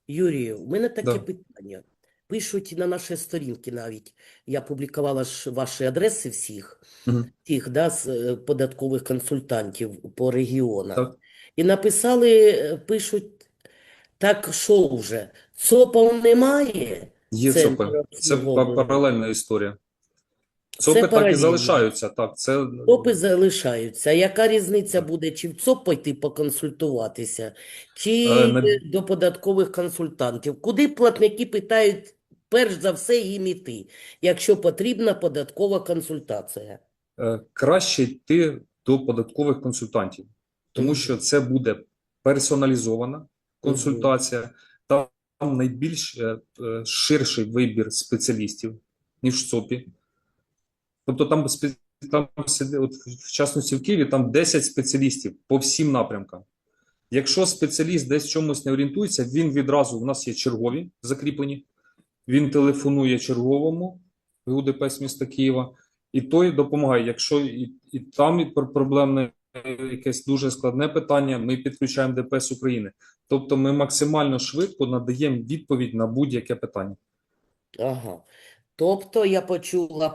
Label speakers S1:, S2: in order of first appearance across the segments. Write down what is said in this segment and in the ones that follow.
S1: Юрію, у мене таке
S2: Да.
S1: питання. Пишуть на наші сторінки навіть. Я публікувала ж ваші адреси всіх,
S2: Мгм.
S1: тих, да, податкових консультантів по регіонах.
S2: Так.
S1: І написали, пишуть, так що вже, ЦОПів немає,
S2: Є ЦОПи.
S1: центр
S2: Це
S1: обслуговування.
S2: паралельна історія.
S1: Це
S2: ЦОПи так і
S1: паралельно.
S2: залишаються. Так, це
S1: ЦОПи залишаються. Яка різниця буде, чи в ЦОП пойти поконсультуватися,
S2: е,
S1: чи
S2: на-
S1: до податкових консультантів? Куди платники питають, перш за все, їм іти, якщо потрібна податкова консультація?
S2: краще йти до податкових консультантів, тому
S1: Угу,
S2: що це буде персоналізована
S1: угу.
S2: консультація, там найбільш ширший вибір спеціалістів, ніж в ЦОПі. Тобто там от, в частності в Києві, там 10 спеціалістів по всім напрямкам. Якщо спеціаліст десь в чомусь не орієнтується, він відразу, у нас є чергові закріплені, він телефонує черговому ГУДП міста Києва, і той допомагає. Якщо і там проблемне якесь дуже складне питання, ми підключаємо ДПС України. Тобто ми максимально швидко надаємо відповідь на будь-яке питання.
S1: Ага. Тобто я почула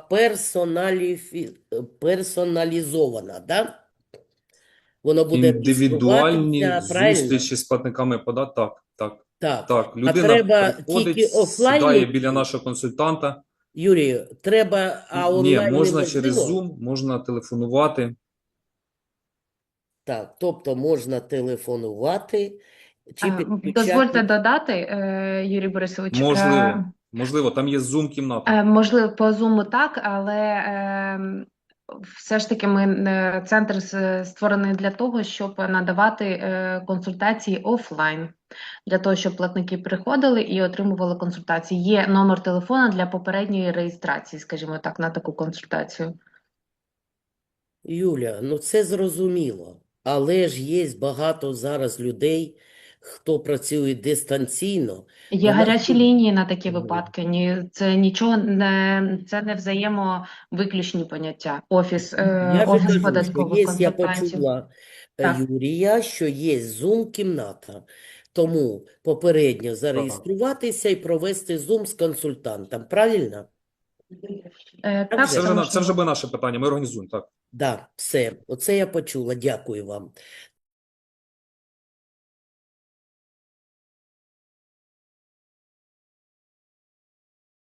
S1: персоналізована, да? Воно буде
S2: Індивідуальні
S1: реєструватися, правильно?
S2: зустрічі з платниками податку. Так, так,
S1: Так.
S2: так.
S1: А
S2: Людина
S1: треба
S2: приходить,
S1: тільки
S2: сідає
S1: офлайн
S2: біля
S1: йти?
S2: нашого консультанта.
S1: Юрію, треба, а
S2: Ні,
S1: онлайн
S2: можна через
S1: неможливо?
S2: Zoom, можна телефонувати.
S1: Так, тобто можна телефонувати чи
S3: Дозвольте
S1: підключати.
S3: додати, Юрій Борисович,
S2: Можливо, там є Zoom-кімната.
S3: можливо, по Zoom так, але все ж таки центр створений для того, щоб надавати консультації офлайн, для того, щоб платники приходили і отримували консультації. Є номер телефона для попередньої реєстрації, скажімо так, на таку консультацію.
S1: Юля, ну це зрозуміло, але ж є багато зараз людей, хто працює дистанційно.
S3: Є
S1: До нас
S3: гарячі
S1: тут-
S3: лінії на такі
S1: Мгм.
S3: випадки. Це нічого не це не взаємовиключні поняття.
S1: Я же
S3: Офіс
S1: кажу, що
S3: податкових
S1: є, я
S3: консультантів.
S1: почула
S3: Так.
S1: Юрія, що є Zoom-кімната. Тому попередньо
S2: Так.
S1: зареєструватися і провести Zoom з консультантом. Правильно? Так
S3: Так,
S1: же?
S2: Це
S3: це
S2: вже, це вже
S3: можливо.
S2: буде наше питання. Ми організуємо, так.
S1: Да, все. Оце я почула. Дякую вам.